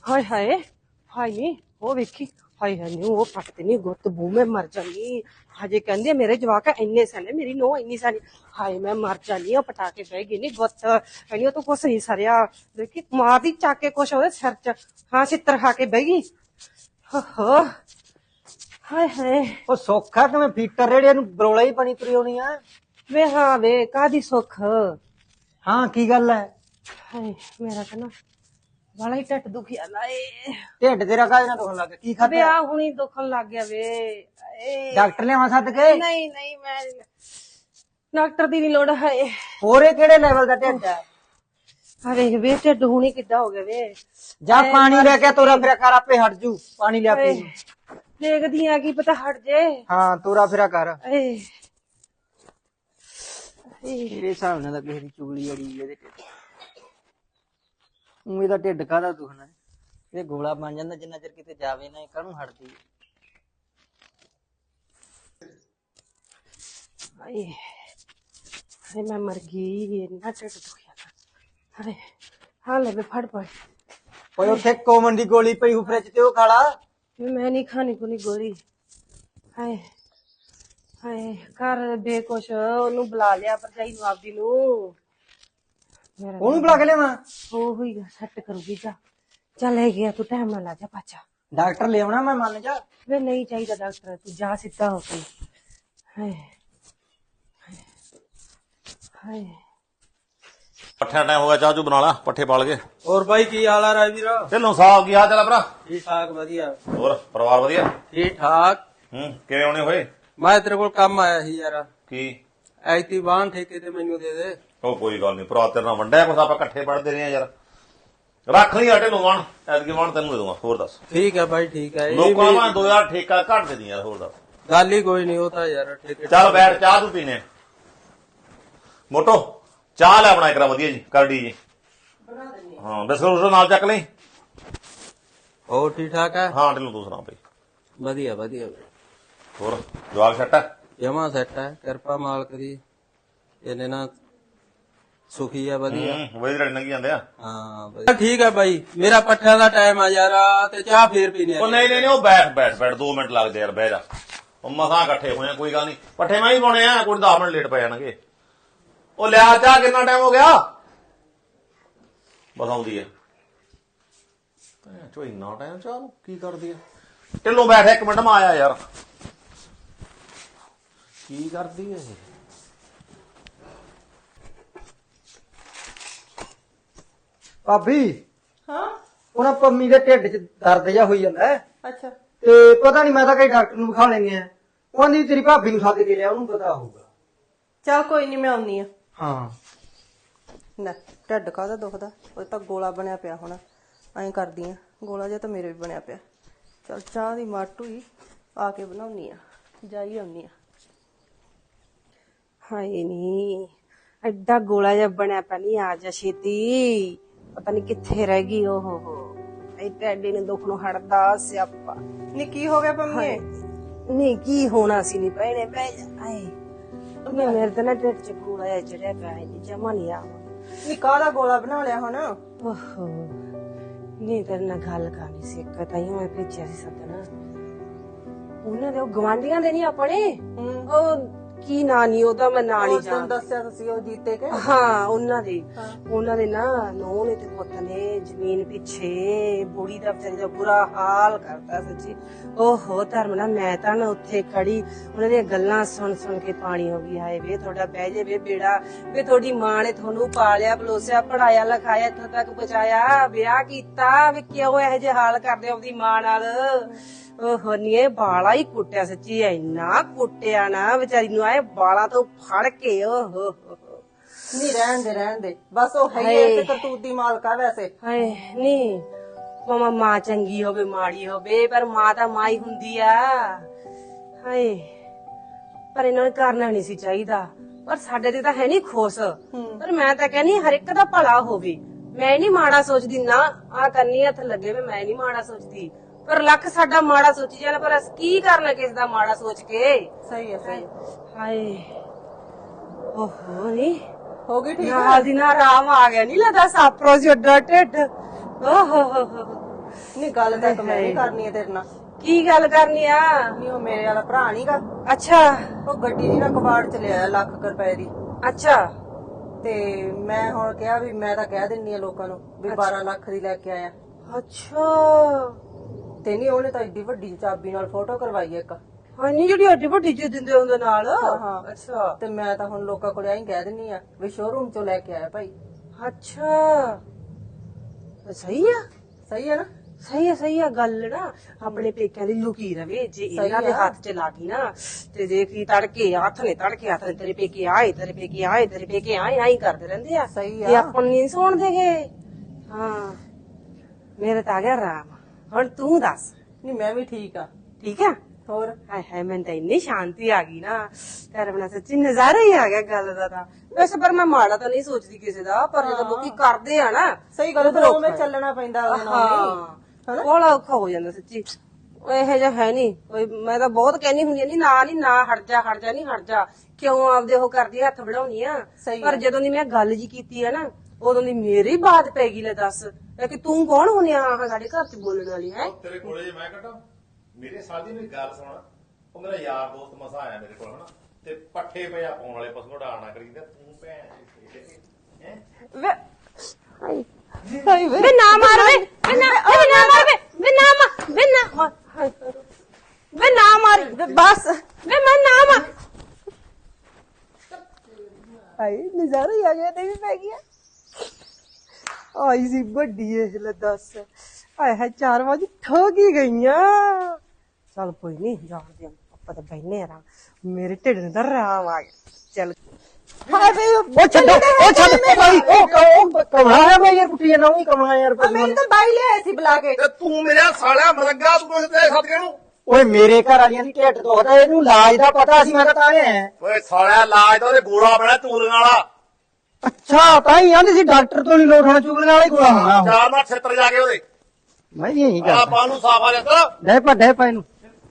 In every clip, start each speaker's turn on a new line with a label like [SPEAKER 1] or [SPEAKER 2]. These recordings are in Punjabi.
[SPEAKER 1] ਹਾਏ ਹਾਏ ਹਾਏ ਨੀ ਉਹ ਵੇਖੀ ਹਾਏ ਹਾਏ ਨੀ ਉਹ ਪੱਟਦੇ ਨੀ ਗੁੱਤ ਬੂ ਮੈਂ ਮਰ ਜਾਨੀ ਹਜੇ ਕਹਿੰਦੇ ਮੇਰੇ ਜਵਾਕ ਇੰਨੇ ਸਨੇ ਮੇਰੀ ਨੋ ਇੰਨੀ ਸਾਨੀ ਹਾਏ ਮੈਂ ਮਰ ਜਾਨੀ ਉਹ ਪਟਾ ਕੇ ਬਹਿ ਗਈ ਨੀ ਗੁੱਤ ਕਹਿੰਦੀ ਉਹ ਤਾਂ ਕੁਛ ਨਹੀਂ ਸਰਿਆ ਦੇਖੀ ਮਾਰਦੀ ਚੱਕ ਕੇ ਕੁਛ ਉਹਦੇ ਸਿਰ ਚ ਹਾਂ ਛਿੱਤਰ ਖਾ ਕੇ ਬਹਿ ਗਈ ਹੋ ਹਾਏ ਹਾਏ
[SPEAKER 2] ਉਹ ਸੌਖਾ ਕਿਵੇਂ ਫੀਟਰ ਰੇੜੇ ਨੂੰ ਬਰੋਲਾ ਹੀ ਬਣੀ ਤੁਰੀ ਹੋਣੀ ਆ।
[SPEAKER 1] ਵੇ ਹਾਂ ਵੇ ਕਾਦੀ ਸੁੱਖ
[SPEAKER 2] ਹਾਂ ਕੀ ਗੱਲ ਹੈ?
[SPEAKER 1] ਹਾਏ ਮੇਰਾ ਤਾਂ ਨਾ ਬੜਾ ਹੀ ਢੱਟ ਦੁਖਿਆ ਲਾਏ
[SPEAKER 2] ਢਿੱਡ ਤੇਰਾ ਕਾਹਦੇ ਨਾਲ ਦੁਖਣ ਲੱਗ ਗਿਆ? ਕੀ
[SPEAKER 1] ਵੇ
[SPEAKER 2] ਖਾਧਾ?
[SPEAKER 1] ਆ ਹੁਣੀ ਦੁਖਣ ਲੱਗ ਗਿਆ ਵੇ
[SPEAKER 2] ਡਾਕਟਰ ਲਿਆਵਾਂ ਸੱਦ ਕੇ?
[SPEAKER 1] ਨਹੀਂ ਨਹੀਂ ਮੈਂ ਡਾਕਟਰ ਦੀ ਨੀ ਲੋੜ ਹੈ
[SPEAKER 2] ਹੋਰੇ ਕਿਹੜੇ ਲੈਵਲ ਦਾ ਢਿੱਡ ਹੈ?
[SPEAKER 1] ਅਰੇ ਵੇ ਢਿੱਡ ਹੁਣੀ ਕਿੱਦਾਂ ਹੋ ਗਿਆ ਵੇ
[SPEAKER 2] ਜਾ ਪਾਣੀ ਲੈ ਕੇ ਤੋਰਾ ਫਿਰਿਆ ਕਰ ਆਪੇ ਹਟ ਜੂ ਪਾਣੀ ਲਿਆ ਪੀ।
[SPEAKER 1] ਦੇਖਦੀ ਆ ਕੀ ਪਤਾ ਹਟ ਜੇ
[SPEAKER 2] ਹਾਂ ਤੋਰਾ ਫਿਰਿਆ ਕਰ।
[SPEAKER 1] ਏ
[SPEAKER 2] ਮੇਰੇ ਹਿਸਾਬ ਨਾਲ ਤਾਂ ਕਿਸੇ ਦੀ ਚੁਗਲੀ ਅੜੀ ਇਹਦੇ ਢਿੱਡ ਉਵੇਂ ਦਾ ਢਿੱਡ ਕਾਹਦਾ ਦੁਖਣਾ ਇਹ ਗੋਲਾ ਬਣ ਜਾਂਦਾ ਜਿੰਨਾ ਚਿਰ ਕਿਤੇ ਜਾਵੇ ਨਾ ਕਾਹਨੂੰ ਹਟਦੀ।
[SPEAKER 1] ਹਾਏ ਹਾਏ ਮੈਂ ਮਰ ਗਈ ਇੰਨਾ ਢਿੱਡ ਦੁਖਿਆ ਅਰੇ ਹਾਂ ਲੈ ਵੇ ਫੜ ਪੜ
[SPEAKER 2] ਓਏ ਉੱਥੇ ਕੋਮਨ ਦੀ ਗੋਲੀ ਪਈ ਹੂ ਫਰਿੱਜ ਤੇ ਉਹ ਖਾ ਲਾ।
[SPEAKER 1] ਮੈਂ ਨਹੀਂ ਖਾਣੀ ਕੋਨੀ ਗੋਲੀ ਹਾਏ ਹਾਏ ਕਰ ਬੇ ਕੁਛ ਉਹਨੂੰ ਬੁਲਾ ਲਿਆ ਭਰਜਾਈ ਨੂੰ ਆਪਦੀ ਨੂੰ
[SPEAKER 2] ਉਹਨੂੰ ਬੁਲਾ ਕੇ ਲਿਆਵਾਂ?
[SPEAKER 1] ਉਹ ਹੋਈ ਸੈੱਟ ਕਰੂਗੀ ਜਾ ਚੱਲ ਲੈ ਗਿਆ ਤੂੰ ਟਾਈਮ ਨਾਲ ਆ ਜਾ ਪਾਚਾ
[SPEAKER 2] ਡਾਕਟਰ ਲਿਆਉਣਾ ਮੈਂ ਮੰਨ ਜਾ।
[SPEAKER 1] ਵੇ ਨਹੀਂ ਚਾਹੀਦਾ ਡਾਕਟਰ ਤੂੰ ਜਾ ਸਿੱਧਾ ਹੋ ਕੇ ਹਾਏ ਹਾਏ
[SPEAKER 3] ਪੱਠਿਆਂ ਟਾਈਮ ਹੋ ਗਿਆ ਚਾਹ ਚੂ ਬਣਾ ਲਾ ਪੱਠੇ ਪਾਲ ਕੇ।
[SPEAKER 4] ਹੋਰ ਬਾਈ ਕੀ ਹਾਲ ਆ ਰਾਜਵੀਰ?
[SPEAKER 3] ਢਿੱਲੋਂ ਸਾਹਿਬ ਕੀ ਹਾਲ ਚਾਲ ਆ ਭਰਾ?
[SPEAKER 4] ਠੀਕ ਠਾਕ ਵਧੀਆ।
[SPEAKER 3] ਹੋਰ ਪਰਿਵਾਰ ਵਧੀਆ?
[SPEAKER 4] ਠੀਕ ਠਾਕ।
[SPEAKER 3] ਕਿਵੇਂ ਆਉਣੇ ਹੋਏ?
[SPEAKER 4] ਮੈਂ ਤੇਰੇ ਕੋਲ ਕੰਮ ਆਇਆ ਸੀ ਯਾਰ।
[SPEAKER 3] ਕੀ?
[SPEAKER 4] ਐਤੀ ਬਾਣ ਠੇਕੇ ਤੇ ਮੈਨੂੰ ਦੇ ਦੇ।
[SPEAKER 3] ਉਹ ਕੋਈ ਗੱਲ ਨਹੀਂ ਭਰਾ ਤੇਰੇ ਨਾਲ ਵੰਡਿਆ ਕੁਛ ਆਪਾਂ ਇਕੱਠੇ ਪੜਦੇ ਰਹੇ ਆ ਯਾਰ। ਰੱਖ ਲਈ ਆ ਢਿੱਲੋਂ ਵਾਣ ਐਤਕੀ ਵਾਣ ਤੈਨੂੰ ਦੇ ਦੂੰਗਾ। ਹੋਰ ਦੱਸ?
[SPEAKER 4] ਠੀਕ ਹੈ ਬਾਈ ਠੀਕ ਹੈ।
[SPEAKER 3] ਲੋਕਾਂ ਨੂੰ 2000 ਠੇਕਾ ਘੱਟ ਦੇ ਦੀ ਯਾਰ। ਹੋਰ ਦੱਸ?
[SPEAKER 4] ਗੱਲ ਹੀ ਕੋਈ ਨਹੀਂ ਉਹ ਤਾਂ ਯਾਰ ਠੇਕੇ।
[SPEAKER 3] ਚੱਲ ਬੈਠ ਚਾਹ ਤੂੰ ਪੀਨੇ ਮੋਟੋ ਚਾਹ ਲੈ ਬਣਾ ਕਰਾ ਵਧੀਆ ਜੀ ਕਰੜੀ ਜੀ। ਹਾਂ ਬਿਸਕੁਟ ਨਾਲ ਚੱਕ ਲਈ।
[SPEAKER 4] ਹੋਰ ਠੀਕ ਠਾਕ ਹੈ?
[SPEAKER 3] ਹਾਂ ਢਿੱਲੋਂ ਤੂੰ ਸੁਣਾ ਬਈ?
[SPEAKER 4] ਵਧੀਆ ਵਧੀਆ।
[SPEAKER 3] ਹੋਰ ਜਵਾਕ ਛੱਟ ਹੈ?
[SPEAKER 4] ਜਮਾ ਸੈੱਟ ਹੈ ਕਿਰਪਾ ਮਾਲਕ ਦੀ ਇਹਨੇ ਨਾ ਸੁਖੀ ਆ ਵਧੀਆ।
[SPEAKER 3] ਵੇ ਲੜ ਲੰਗੀ ਜਾਂਦੇ ਆ।
[SPEAKER 4] ਹਾਂ ਵਧੀਆ ਠੀਕ ਹੈ ਬਾਈ ਮੇਰਾ ਪੱਠਿਆਂ ਦਾ ਟਾਈਮ ਆ ਯਾਰ ਤੇ ਚਾਹ ਫੇਰ ਪੀਨੇ।
[SPEAKER 3] ਉਹ ਨਹੀਂ ਨਹੀਂ ਉਹ ਬੈਠ 2 ਮਿੰਟ ਲੱਗਦੇ ਯਾਰ ਬਹਿ ਜਾ। ਉਹ ਮਸਾਂ ਇਕੱਠੇ ਹੋਏ ਆ ਕੋਈ ਗੱਲ ਨਹੀਂ ਪੱਠੇ ਮੈਂ ਹੀ ਪਾਉਣੇ ਆ ਕੋਈ 10 ਮਿੰਟ ਲੇਟ ਪੈ ਜਾਣਗੇ। ਉਹ ਲਿਆ ਚਾਹ ਕਿੰਨਾ ਟਾਈਮ ਹੋ ਗਿਆ? ਬਸ ਆਉਂਦੀ ਹੈ ਚੋ ਇੰਨਾ ਟਾਈਮ ਚਾਹ ਨੂੰ ਕੀ ਕਰਦੀ ਆ? ਢਿੱਲੋਂ ਬੈਠ 1 ਮਿੰਟ ਮੈਂ ਆਇਆ ਯਾਰ। ਕੀ ਕਰਦੀ ਹੈ ਇਹ?
[SPEAKER 2] ਭਾਬੀ
[SPEAKER 1] ਹਾਂ
[SPEAKER 2] ਉਹਨਾਂ ਪੰਮੀ ਦੇ ਢਿੱਡ 'ਚ ਦਰਦ ਜਿਹਾ ਹੋਈ ਜਾਂਦਾ ਹੈ
[SPEAKER 1] ਅੱਛਾ
[SPEAKER 2] ਤੇ ਪਤਾ ਨਹੀਂ ਮੈਂ ਤਾਂ ਕਈ ਡਾਕਟਰ ਨੂੰ ਵਿਖਾ ਲੈਣੇ ਆ। ਉਹਦੀ ਤੇਰੀ ਭਾਬੀ ਨੂੰ ਸੱਦ ਕੇ ਲਿਆ ਉਹਨੂੰ ਪਤਾ ਹੋਊਗਾ।
[SPEAKER 1] ਚੱਲ ਕੋਈ ਨਹੀਂ ਮੈਂ ਆਉਣੀ ਆ
[SPEAKER 2] ਹਾਂ
[SPEAKER 1] ਨਾ ਢੱਡ ਕਾਹਦਾ ਦੁਖਦਾ ਉਹ ਤਾਂ ਗੋਲਾ ਬਣਿਆ ਪਿਆ ਹੁਣ ਐਂ ਕਰਦੀ ਆ ਗੋਲਾ ਜਿਹਾ ਤਾਂ ਮੇਰੇ ਵੀ ਬਣਿਆ ਪਿਆ ਚਲ ਚਾਹ ਦੀ ਮਾਟੂ ਹੀ ਆ ਕੇ ਬਣਾਉਣੀ ਆ ਜਾਈ ਆਉਣੀ ਆ ਹਾਏ ਨੀ ਐਡਾ ਗੋਲਾ ਜਿਹਾ ਬਣਿਆ ਪਿਆ ਨਹੀਂ ਆ ਜਾ ਛੇਤੀ ਪਤਾ ਨਹੀਂ ਕਿੱਥੇ ਰਹਿ ਗਈ ਉਹ ਹੋ ਇਹ ਟੈਡੀ ਨੇ ਦੁੱਖ ਨੂੰ ਹਟਦਾ ਸਿਆਪਾ ਨੀ ਕੀ ਹੋ ਗਿਆ ਪੰਮੀ ਨਹੀਂ ਕੀ ਹੋਣਾ ਸੀ ਨੀ ਭੈਣੇ ਬਹਿ ਜਾ ਆਏ ਮੈਂ ਮੇਰੇ ਤਾਂ ਨਾ ਢਿੱਡ ਚ ਗੋਲਾ ਜਿਹਾ ਚੜਿਆ ਪਿਆ ਹੈ ਜਮਾ ਨਹੀਂ ਆ
[SPEAKER 5] ਨੀ ਕਾਹਦਾ ਗੋਲਾ ਬਣਾ ਲਿਆ ਹੁਣ?
[SPEAKER 1] ਓਹੋ ਨਹੀਂ ਤੇਰੇ ਨਾਲ ਗੱਲ ਕਰਨੀ ਸੀ ਇੱਕ ਤਾਂ ਮੈਂ ਭੇਜਿਆ ਸੀ ਸੱਦਣਾ ਉਹਨਾਂ ਦੇ ਉਹ ਗਵਾਂਢੀਆਂ ਦੇ ਨਹੀਂ ਆਪਣੇ ਉਹ ਕੀ ਨਾਂ ਨਹੀਂ ਉਹਦਾ ਮੈਂ ਨਾਂ ਨਹੀਂ
[SPEAKER 5] ਤੈਨੂੰ
[SPEAKER 1] ਜਾਣਦਾ
[SPEAKER 5] ਦੱਸਿਆ ਤੁਸੀਂ ਉਹ ਜੀਤੇ ਕੇ
[SPEAKER 1] ਹਾਂ ਉਹਨਾਂ ਦੇ ਨਾ ਨੂੰਹ ਨੇ ਤੇ ਪੁੱਤ ਨੇ ਜ਼ਮੀਨ ਪਿੱਛੇ ਬੁੜੀ ਦਾ ਵਿਚਾਰੀ ਦਾ ਬੁਰਾ ਹਾਲ ਕਰਤਾ ਸੱਚੀ ਓਹੋ ਧਰਮ ਨਾਲ ਮੈਂ ਤਾਂ ਨਾ ਉੱਥੇ ਖੜੀ ਉਹਨਾਂ ਦੀਆਂ ਗੱਲਾਂ ਸੁਣ ਸੁਣ ਕੇ ਪਾਣੀ ਹੋ ਗਈ ਹਾਏ ਵੇ ਤੁਹਾਡਾ ਬਹਿ ਜੇ ਵੇ ਬੇੜਾ ਵੇ ਤੁਹਾਡੀ ਮਾਂ ਨੇ ਤੁਹਾਨੂੰ ਪਾਲਿਆ ਬਲੋਸਿਆ ਪੜਾਇਆ ਲਿਖਾਇਆ ਇੱਥੋਂ ਤੱਕ ਪਹੁੰਚਾਇਆ ਵਿਆਹ ਕੀਤਾ ਵੇ ਕਿਉਂ ਇਹੋ ਜਿਹੇ ਹਾਲ ਕਰਦੇ ਆਪਦੀ ਮਾਂ ਨਾਲ ਓਹੋ ਨੀ ਇਹ ਬਾਲਾ ਹੀ ਕੁੱਟਿਆ ਸੱਚੀ ਇੰਨਾ ਕੁੱਟਿਆ ਨਾ ਵਿਚਾਰੀ ਨੂੰ ਆਏ ਬਾਲਾ ਤੋਂ ਫੜ ਕੇ ਓਹੋ
[SPEAKER 5] ਨੀ ਰਹਿਣ ਦੇ ਬਸ ਉਹ ਹੈ ਹੀ ਤੇ ਕਰਤੂਤ ਦੀ ਮਾਲਕ ਆ ਵੈਸੇ
[SPEAKER 1] ਹਾਏ ਨੀ ਮਮਾ ਮਾਂ ਚੰਗੀ ਹੋਵੇ ਮਾੜੀ ਹੋਵੇ ਪਰ ਮਾਂ ਤਾਂ ਮਾਂ ਹੀ ਹੁੰਦੀ ਆ ਹਾਏ ਪਰ ਇਹਨਾਂ ਨੂੰ ਕਰਨਾ ਨਹੀਂ ਸੀ ਚਾਹੀਦਾ ਪਰ ਸਾਡੇ ਤੇ ਤਾਂ ਹੈ ਨਹੀਂ ਖੁਸ਼ ਪਰ ਮੈਂ ਤਾਂ ਕਹਿੰਨੀ ਹਰ ਇੱਕ ਦਾ ਭਲਾ ਹੋਵੇ ਮੈਂ ਨਹੀਂ ਮਾੜਾ ਸੋਚਦੀ ਨਾ ਆ ਕੰਨੀ ਹੱਥ ਲੱਗੇ ਮੈਂ ਨਹੀਂ ਮਾੜਾ ਸੋਚਦੀ ਪਰ ਲੱਖ ਸਾਡਾ ਮਾੜਾ ਸੋਚੀ ਜਾਣਾ ਪਰ ਅਸੀਂ ਕੀ ਕਰਨਾ ਕਿਸ ਦਾ ਮਾੜਾ ਸੋਚ ਕੇ
[SPEAKER 5] ਸਹੀ ਹੈ
[SPEAKER 1] ਹਾਏ ਓਹੋ ਨੀ
[SPEAKER 5] ਹੋ ਗਈ ਠੀਕ
[SPEAKER 1] ਨਾਲ ਦੀ ਨਾਲ ਆਰਾਮ ਆ ਗਿਆ ਨਹੀਂ ਲੱਗਦਾ ਸਾਪਰੋ ਜਿਹਾ ਢਿੱਡ ਓਹੋ
[SPEAKER 5] ਨਹੀਂ ਗੱਲ ਤਾਂ ਇੱਕ ਮੈਂ ਵੀ ਕਰਨੀ ਹੈ ਤੇਰੇ ਨਾਲ।
[SPEAKER 1] ਕੀ ਗੱਲ ਕਰਨੀ ਆ?
[SPEAKER 5] ਨਹੀਂ ਉਹ ਮੇਰੇ ਵਾਲਾ ਭਰਾ ਨਹੀਂਗਾ,
[SPEAKER 1] ਅੱਛਾ
[SPEAKER 5] ਉਹ ਗੱਡੀ ਦੀ ਨਾ ਕਬਾੜ ਚ ਲਿਆਇਆ ਲੱਖ ਕੁ ਰੁਪਏ ਦੀ।
[SPEAKER 1] ਅੱਛਾ
[SPEAKER 5] ਤੇ ਮੈਂ ਹੁਣ ਕਿਹਾ ਵੀ ਮੈਂ ਤਾਂ ਕਹਿ ਦਿੰਨੀ ਆ ਲੋਕਾਂ ਨੂੰ ਵੀ 12 ਲੱਖ ਦੀ ਲੈ ਕੇ ਆਇਆ।
[SPEAKER 1] ਅੱਛਾ
[SPEAKER 5] ਤੇ ਨਹੀਂ ਉਹਨੇ ਤਾਂ ਏਡੀ ਵੱਡੀ ਚਾਬੀ ਨਾਲ ਫੋਟੋ ਕਰਵਾਈ ਇੱਕ।
[SPEAKER 1] ਹਾਂ ਨਹੀਂ ਜਿਹੜੀ ਅੱਡੀ ਵੱਡੀ ਚੀਜ਼ ਦਿੰਦੇ ਉਹਦੇ ਨਾਲ।
[SPEAKER 5] ਹਾਂ
[SPEAKER 1] ਅੱਛਾ
[SPEAKER 5] ਤੇ ਮੈਂ ਤਾਂ ਹੁਣ ਲੋਕਾਂ ਕੋਲ ਐਂ ਕਹਿ ਦਿੰਨੀ ਆ ਵੀ ਸ਼ੋਰੂਮ ਚੋਂ ਲੈ ਕੇ ਆਇਆ ਭਾਈ।
[SPEAKER 1] ਅੱਛਾ ਸਹੀ ਆ।
[SPEAKER 5] ਸਹੀ ਹੈ ਨਾ?
[SPEAKER 1] ਸਹੀ ਆ ਗੱਲ ਨਾ ਆਪਣੇ ਪੇਕਿਆਂ ਦੀ ਲੁਕੀ ਰਵੇ। ਜੇ ਇਹਨਾਂ ਦੇ ਹੱਥ ਚ ਲੱਗੀ ਨਾ ਤੇ ਦੇਖ ਲਈ ਤੜਕੇ ਹੱਥ ਨੇ ਤੇਰੇ ਪੇਕੇ ਆਏ ਤੇਰੇ ਪੇਕੇ ਆਏ ਤੇਰੇ ਪੇਕੇ ਆਏ ਆਈ ਕਰਦੇ ਰਹਿੰਦੇ ਆ।
[SPEAKER 5] ਸਹੀ
[SPEAKER 1] ਤੇ
[SPEAKER 5] ਆ।
[SPEAKER 1] ਆਪਾਂ ਨਹੀਂ ਸੁਣ ਦੇਗੇ। ਹਾਂ ਮੇਰੇ ਤਾਂ ਆ ਗਿਆ ਰਾਮ। ਹੁਣ ਤੂੰ ਦੱਸ।
[SPEAKER 5] ਨਹੀਂ ਮੈਂ ਵੀ ਠੀਕ ਆ।
[SPEAKER 1] ਠੀਕ ਆ?
[SPEAKER 5] ਹੋਰ
[SPEAKER 1] ਹਾਏ ਹਾਏ ਮੈਨੂੰ ਤਾਂ ਇੰਨੀ ਸ਼ਾਂਤੀ ਆ ਗਈ ਨਾ ਤੇਰੇ ਬਿਨਾਂ ਸੱਚੀ ਨਜ਼ਾਰਾ ਹੀ ਆ ਗਿਆ ਗੱਲ ਦਾ ਤਾਂ। ਵੈਸੇ ਪਰ ਮੈਂ ਮਾੜਾ ਤਾਂ ਨਹੀਂ ਸੋਚਦੀ ਕਿਸੇ ਦਾ, ਪਰ ਜਦੋਂ ਲੋਕੀ ਕਰਦੇ ਆ ਨਾ
[SPEAKER 5] ਸਹੀ ਗੱਲ ਤਾਂ ਉਵੇਂ ਚੱਲਣਾ ਪੈਂਦਾ ਉਹਦੇ ਨਾਲ ਵੀ।
[SPEAKER 1] ਬੜਾ ਔਖਾ ਹੋ ਜਾਂਦਾ ਸੱਚੀ। ਇਹੋ ਜਿਹਾ ਹੈ ਨਹੀਂ ਕੋਈ। ਮੈਂ ਤਾਂ ਬਹੁਤ ਕਹਿਣੀ ਹੁੰਦੀ ਆ ਨੀ ਨਾ ਹਟ ਜਾ ਕਿਉਂ ਆਪਦੇ ਉਹ ਕਰਦੀ ਹੱਥ ਵੜਾਉਣੀ ਆ। ਪਰ ਜਦੋਂ ਦੀ ਮੈਂ ਗੱਲ ਜੀ ਕੀਤੀ ਆ ਨਾ ਉਦੋਂ ਦੀ ਮੇਰੀ ਬਾਤ ਪੈ ਗਈ। ਲੈ ਦੱਸ ਕਿ ਤੂੰ ਕੌਣ ਹੁੰਨੀ ਆ ਸਾਡੇ ਘਰ ਚ ਬੋਲਣ ਵਾਲੀ ਹੈ?
[SPEAKER 3] ਤੇਰੇ ਕੋਲੇ ਜੇ ਮੈਂ ਕੱਢਾਂ ਮੇਰੇ ਸਾਡੀ ਮੇਰੀ ਗੱਲ ਸੁਣ। ਉਹ ਮੇਰਾ ਯਾਰ ਦੋਸਤ ਮਸਾ ਆਇਆ ਮੇਰੇ ਕੋਲ ਹਨਾ, ਤੇ ਪੱਠੇ ਪਿਆ ਪਾਉਣ ਵਾਲੇ ਪਸ਼ੂ ਢਾਣਾ ਕਰੀਦਾ ਤੂੰ ਭੈਣ ਹੈ।
[SPEAKER 1] ਵੇ ਨਾ ਮਾਰ ਵੇ ਨਾ ਮਾਰ
[SPEAKER 5] ਬਸ
[SPEAKER 1] ਵੇ ਮੈਂ ਨਾ ਮਾਰ।
[SPEAKER 5] ਆਈ ਨਜ਼ਾਰਾ ਹੀ ਆ ਗਿਆ ਤੇ ਵੀ ਪੈ ਗਿਆ। ਆਈ ਸੀ ਵੱਡੀ ਇਹ ਲੈ ਦੱਸ। ਆਏ ਹੈ 4 ਵਜੇ ਠੋਕ ਹੀ ਗਈਆਂ।
[SPEAKER 1] ਚੱਲ ਕੋਈ ਨਹੀਂ ਜਾਣਦੇ ਆਪਾਂ ਤਾਂ ਬੈਠਨੇ ਆ। ਮੇਰੇ ਢਿੱਡ ਨੂੰ ਤਾਂ ਰਾਮ ਆ ਗਿਆ। ਚੱਲ
[SPEAKER 5] ਹਾਏ ਵੇ
[SPEAKER 2] ਉਹ ਛੱਡ ਭਾਈ। ਉਹ ਕਮਲਾ ਹੈ ਮੈਂ ਯਾਰ ਕੁੱਟੀ ਨਾ ਉਹੀ ਕਮਲਾ ਯਾਰ।
[SPEAKER 5] ਮੈਨੂੰ ਤਾਂ ਬਾਈ ਲਿਆਏ ਸੀ ਬੁਲਾ ਕੇ।
[SPEAKER 3] ਤੇ ਤੂੰ ਮੇਰਾ ਸਾਲਿਆ ਮਰੰਗਾ ਤੂੰ ਕੁਝ ਦੇ ਸਦਕੇ ਨੂੰ।
[SPEAKER 2] ਓਏ ਮੇਰੇ ਘਰ ਵਾਲੀਆਂ ਦੀ ਢਿੱਡ ਦੁਖਦਾ, ਇਹਨੂੰ ਇਲਾਜ ਦਾ ਪਤਾ ਸੀ, ਮੈਂ ਤਾਂ ਆਇਆ।
[SPEAKER 3] ਓਏ ਸਾਲਿਆ ਲਾਜ ਤਾਂ ਉਹਦੇ ਗੋਲਾ ਬਣਾ ਚੂਲੀਆਂ ਵਾਲਾ।
[SPEAKER 2] ਅੱਛਾ ਤਾਂ ਹੀ ਆਂਦੇ ਸੀ ਡਾਕਟਰ ਤੋਂ ਨਹੀਂ ਲੋਟ ਹੋਣਾ, ਚੁਗਲੀਆਂ ਵਾਲਾ ਹੀ ਗੋਲਾ ਹੋਣਾ ਉਹ।
[SPEAKER 3] ਚਾਰ ਨਾਲ ਛੇਤਰ ਜਾ ਕੇ ਉਹਦੇ
[SPEAKER 2] ਮੈਂ ਵੀ ਇਹੀ
[SPEAKER 3] ਆ
[SPEAKER 2] ਕਰਦਾ।
[SPEAKER 3] ਪਾ ਨੂੰ ਸਾਫ ਆ ਜਾਂਦਾ।
[SPEAKER 2] ਡੈ ਪਾ ਇਹਨੂੰ।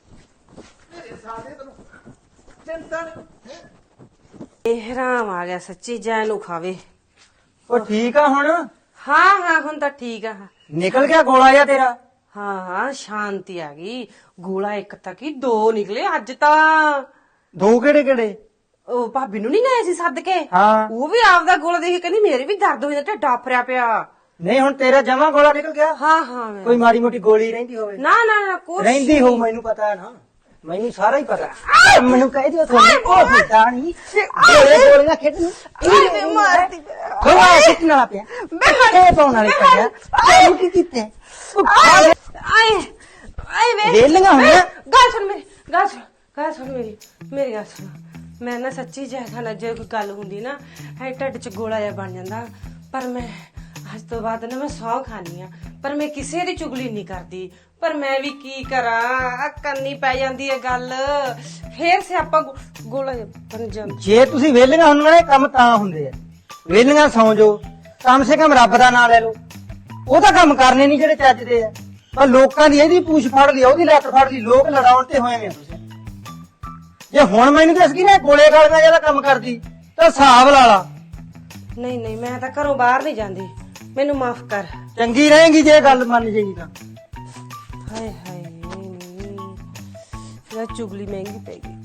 [SPEAKER 1] ਇਹ ਰਾਮ ਆ ਗਿਆ ਸੱਚੀ। ਜੈ ਨੂੰ ਖਾਵੇ।
[SPEAKER 2] ਉਹ ਠੀਕ ਆ ਹੁਣ?
[SPEAKER 1] ਹਾਂ ਹੁਣ ਤਾਂ ਠੀਕ ਆ।
[SPEAKER 2] ਨਿਕਲ ਗਿਆ ਗੋਲਾ ਜਾਂ ਤੇਰਾ?
[SPEAKER 1] ਹਾਂ ਸ਼ਾਂਤੀ ਆ ਗਈ। ਗੋਲਾ ਇੱਕ ਤੱਕ ਹੀ 2 ਨਿਕਲੇ ਅੱਜ ਤਾਂ।
[SPEAKER 2] 2 ਕਿਹੜੇ?
[SPEAKER 1] ਉਹ ਭਾਬੀ ਨੂੰ ਨਹੀਂ ਗਏ ਸੀ ਸੱਦ ਕੇ।
[SPEAKER 2] ਹਾਂ
[SPEAKER 1] ਉਹ ਵੀ ਆਪਦਾ ਗੋਲਾ ਦੇਖ ਕੇ ਕਹਿੰਦੀ ਮੇਰੇ ਵੀ ਦਰਦ ਹੋ ਜਾਂਦਾ, ਢਿੱਡ ਆਫਰਿਆ ਪਿਆ।
[SPEAKER 2] ਨਹੀਂ ਹੁਣ ਤੇਰਾ ਜਮਾ ਗੋਲਾ ਨਿਕਲ ਗਿਆ?
[SPEAKER 1] ਹਾਂ
[SPEAKER 2] ਕੋਈ ਮਾੜੀ ਮੋਟੀ ਗੋਲੀ ਰਹਿੰਦੀ ਹੋਵੇ?
[SPEAKER 1] ਨਾ ਕੁਛ
[SPEAKER 2] ਰਹਿੰਦੀ ਹੋ, ਮੈਨੂੰ ਪਤਾ ਹੈ ਨਾ, ਮੈਨੂੰ ਸਾਰਾ ਹੀ ਪਤਾ। ਮੈਨੂੰ ਕਹਿ ਦਿਓ ਤੁਹਾਨੂੰ ਉਹ ਹੁੰਦਾ ਨਹੀਂ ਗੋਲੀਆਂ ਖੇਡਣ ਨੂੰ
[SPEAKER 5] ਮਾਰਦੀ
[SPEAKER 2] ਗੋਲਾ ਸਿੱਟਣ ਵਾਲਾ ਪਿਆ ਇਹ ਪਾਉਣ ਵਾਲੇ ਪਿਆ। ਤੂੰ ਕੀ ਕੀਤਾ?
[SPEAKER 1] ਆਏ ਵੇ
[SPEAKER 2] ਵੇਲੀਆਂ ਹੋਈਆਂ।
[SPEAKER 1] ਗੱਲ ਸੁਣ ਮੇਰੀ ਗੱਲ ਸੁਣ। ਮੈਂ ਨਾ ਸੱਚੀ ਜੈਸਾ ਨਾ ਜੇ ਕੋਈ ਗੱਲ ਹੁੰਦੀ ਨਾ ਹੈ ਢਿੱਡ ਚ ਗੋਲਾ ਜਿਹਾ ਬਣ ਜਾਂਦਾ। ਪਰ ਮੈਂ ਅੱਜ ਤੋਂ ਬਾਅਦ ਨਾ ਮੈਂ ਸਹੁੰ ਖਾਨੀ ਆ, ਪਰ ਮੈਂ ਕਿਸੇ ਦੀ ਚੁਗਲੀ ਨਹੀਂ ਕਰਦੀ। ਪਰ ਮੈਂ ਵੀ ਕੀ ਕਰਾਂ, ਕਰਨੀ ਪੈ ਜਾਂਦੀ ਹੈ ਗੱਲ। ਫੇਰ ਸਿਆਪਾ ਗੋਲਾ ਜਿਹਾ ਬਣ ਜਾਂਦਾ।
[SPEAKER 2] ਜੇ ਤੁਸੀਂ ਵੇਲੀਆਂ ਹੁੰਦੀਆਂ ਨੇ ਕੰਮ ਤਾਂ ਹੁੰਦੇ ਆ। ਵੇਲੀਆਂ ਸੌਂ ਜਾਓ, ਕਮ ਸੇ ਕਮ ਰੱਬ ਦਾ ਨਾਮ ਲੈ ਲਓ। ਉਹ ਤਾਂ ਕੰਮ ਕਰਨੇ ਨਹੀਂ ਜਿਹੜੇ ਚੱਜਦੇ ਆ। ਪਰ ਲੋਕਾਂ ਦੀ ਇਹਦੀ ਪੂਛ ਫੜ ਲਈ, ਉਹਦੀ ਲੱਤ ਫੜ ਲਈ, ਲੋਕ ਲੜਾਉਣ ਤੇ ਹੋਏ ਨੇ। ਤੁਸੀਂ ਜੇ ਹੁਣ ਮੈਨੂੰ ਦੱਸ ਗਈ ਨਾ ਗੋਲੇ ਗਾਲੀਆਂ ਜਿਆਦਾ ਕੰਮ ਕਰਦੀ ਤਾਂ ਹਿਸਾਬ ਲਾ ਲਾ।
[SPEAKER 1] ਨਹੀਂ ਮੈਂ ਤਾਂ ਘਰੋਂ ਬਾਹਰ ਨਹੀਂ ਜਾਂਦੀ। ਮੈਨੂੰ ਮਾਫ ਕਰ।
[SPEAKER 2] ਚੰਗੀ ਰਹੇਗੀ ਜੇ ਗੱਲ ਮੰਨ ਜਾਏਗੀ ਤਾਂ।
[SPEAKER 1] ਹਾਏ ਹਾਏ ਚੁਗਲੀ ਮਹਿੰਗੀ ਪੈ ਗਈ।